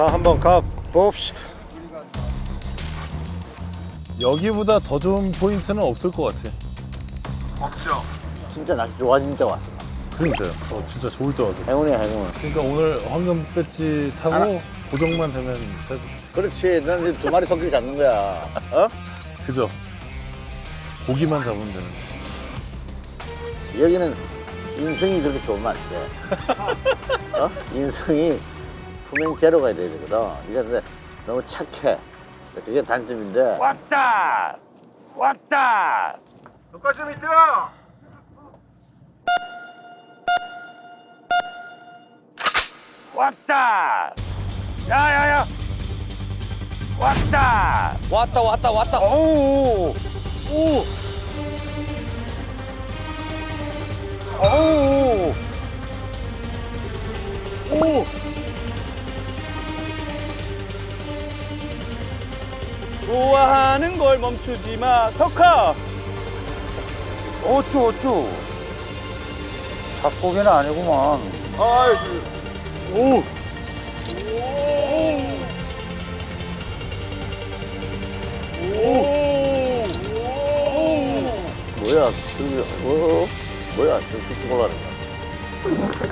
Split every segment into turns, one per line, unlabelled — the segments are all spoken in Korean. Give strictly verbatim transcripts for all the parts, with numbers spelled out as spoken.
자, 한번 가 봅시다.
여기보다 더 좋은 포인트는 없을 것 같아.
없죠.
진짜 날씨 좋아진 때 왔어.
그러니까요. 저 진짜 좋을 때 와서.
행운이야, 행운.
그러니까 오늘 황금 배지 타고
알아.
고정만 되면 새 좋지.
그렇지. 넌 이제 두 마리 토끼를 잡는 거야. 어?
그죠? 고기만 잡으면 되는 거.
여기는 인성이 그렇게 좋으면 안 돼. 어? 인성이 품행 제로 가야 되거든. 이게 근데 너무 착해. 그게 단점인데.
왔다. 왔다. 똑같이 밑에. 왔다. 야야야. 왔다.
왔다 왔다 왔다.
오우. 오. 오우. 오.
좋아하는 걸 멈추지 마, 석하.
어쭈 어쭈. 잡고기는 아니구만.
아이,
오.
뭐야, 저기, 어? 뭐야, 저기 쑥쑥 올라가는 거야.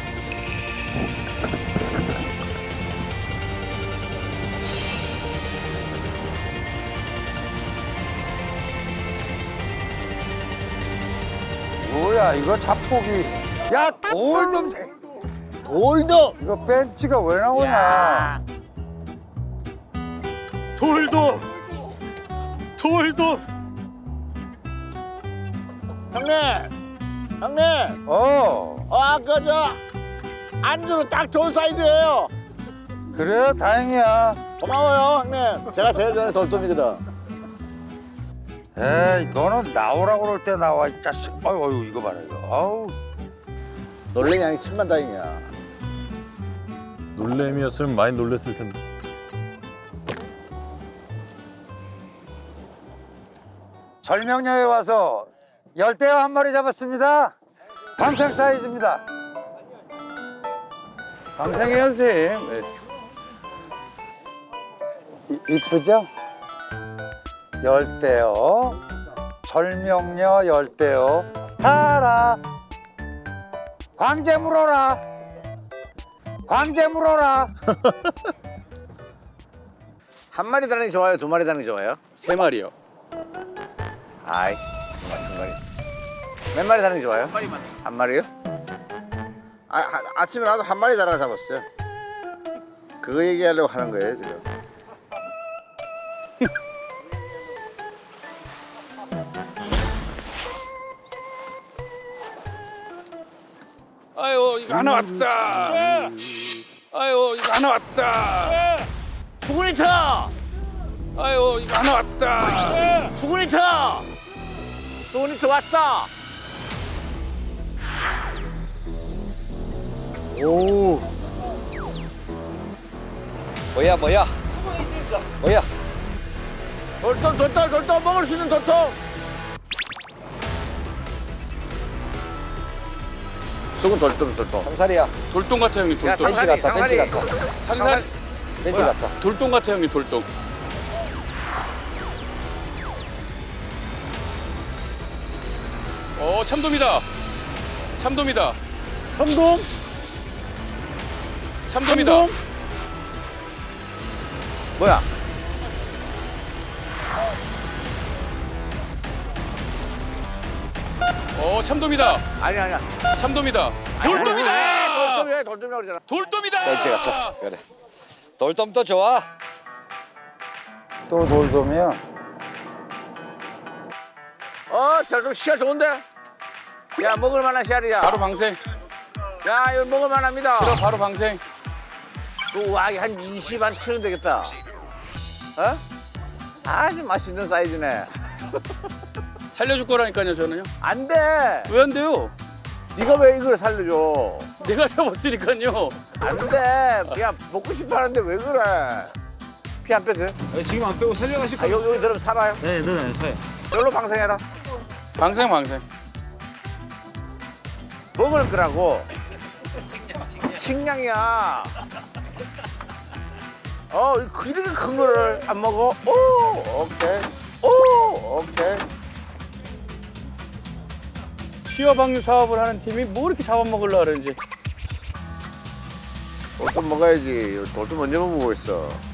뭐야 이거 잡고기. 야 돌돔.
돌도!
이거 벤치가 왜 나오냐?
돌돔! 돌돔!
형님! 형님!
어.
어, 아까 저 안주로 딱 좋은 사이즈예요.
그래 다행이야.
고마워요, 형님. 제가 제일 전에 돌돔이거든.
에이 너는 나오라고 그럴 때 나와 이 자식. 아유 아유 이거 봐라 이거. 아우.
놀래니 아니 천만 다행이야.
놀램이었으면 많이 놀랬을 텐데.
절명녀에 와서 열대어 한 마리 잡았습니다. 방생 사이즈입니다.
방생해요, 선생님. 네.
이, 이쁘죠? 열대어, 절명녀 열대어, 타라. 광재 물어라. 광재 물어라.
한 마리 다는 게 좋아요? 두 마리 다는 게 좋아요?
세 마리요.
아이, 정말 중간이. 몇 마리 다는 게 좋아요? 한 마리만. 한 마리요? 아, 아, 아침에 나도 한 마리 달아 잡았어요. 그거 얘기하려고 하는 거예요, 지금.
아유, 이거 하나 왔다. 아유, 이거 하나 왔다.
수군이 터!
아유, 이거 하나 왔다.
수군이 터! 수군이 터 왔다!
오.
뭐야, 뭐야? 뭐야?
돌돔, 돌돔, 돌돔! 먹을 수 있는 돌돔! 수군 돌돔, 돌돔.
상살이야. 돌돔 같아, 형님,
야,
돌돔.
상살이,
같다, 벤치
상살이.
같다. 상살? 벤치 같다. 돌돔 같아, 형님, 돌돔. 어, 참돔이다. 참돔이다.
참돔?
참돔이다.
뭐야?
어, 참돔이다.
아니, 아니야.
참돔이다. 돌돔이다.
돌돔이야, 돌돔이라고 그러잖아.
돌돔이다.
벤치 같다. 그래. 돌돔도 좋아.
또 돌돔이야.
어, 돌돔 씨알 좋은데? 야, 먹을 만한 씨알이야.
바로 방생.
야, 이거 먹을 만합니다.
그럼 바로 방생.
또, 와, 한 이십 안 치면 되겠다. 어? 아주 맛있는 사이즈네.
살려줄 거라니까요, 저는요.
안 돼.
왜 안 돼요?
네가 왜 이걸 살려줘?
내가 잡았으니까요.
안 돼. 야, 먹고 싶어 하는데 왜 그래? 피 안 빼도 돼?
아니, 지금 안 빼고 살려가실
아, 여기, 여기 들으면 살아요?
네, 네, 네, 네.
여기로 방생해라.
방생, 방생.
먹을 거라고. 식량이야. 어 이렇게 큰 거를 안 먹어? 오 오케이 오 오케이.
취업 방류 사업을 하는 팀이 뭐 이렇게 잡아먹으려고 그러는지.
돌도 먹어야지. 돌도 먼저 먹고 있어.